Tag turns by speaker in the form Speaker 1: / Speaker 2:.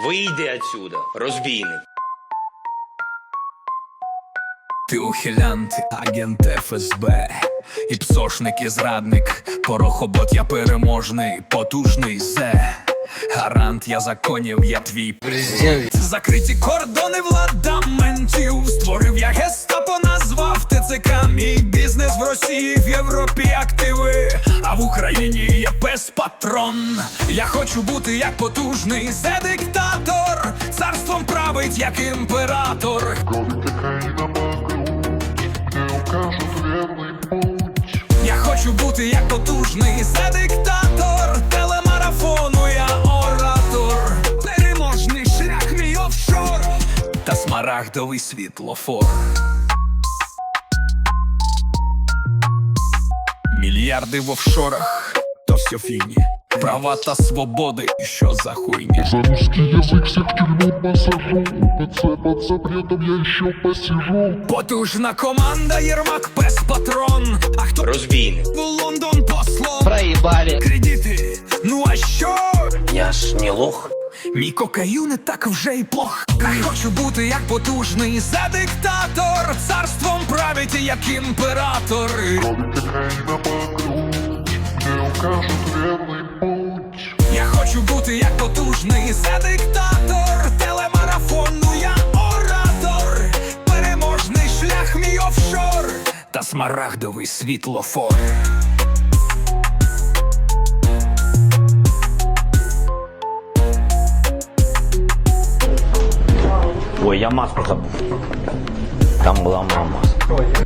Speaker 1: Вийди отсюда, розбійник.
Speaker 2: Ти ухилянт, агент ФСБ, і псошник, і зрадник, порохобот, я переможний, потужний зе. Гарант, я законів, я твій президент. Закриті кордони владаментів, створив я гестапо, назвав ТЦК. Мій бізнес в Росії, в Європі активи, а в Україні є пес-патрон. Я хочу бути як потужний зе-диктатор, царством править як імператор. Я хочу бути як потужний зе-диктатор, телемарафону я оратор. Переможний шлях мій офшор та смарагдовий світлофор. Мільярди в офшорах, то все фігні. Права та свободи, що за хуйня?
Speaker 3: За русский язык всех в тюрьму посажу. ПЦ под запретом я еще посижу.
Speaker 2: Потужна команда, Єрмак, пес-патрон. А хто
Speaker 1: Розбійник.
Speaker 2: в Лондон послом?
Speaker 4: Проебали.
Speaker 2: Кредити, ну а що?
Speaker 1: Я ж не лох.
Speaker 2: Мій кокаїн не так вже й плох. Я хочу бути як потужний зе-диктатор, царством править як імператор.
Speaker 3: Правит Украина по грудь, мне укажут верный путь.
Speaker 2: Я хочу бути як потужний зе-диктатор, телемарафону я оратор. Переможний шлях мій офшор та смарагдовий світлофор.
Speaker 5: Ой, я маску забыл. Там была моя маска.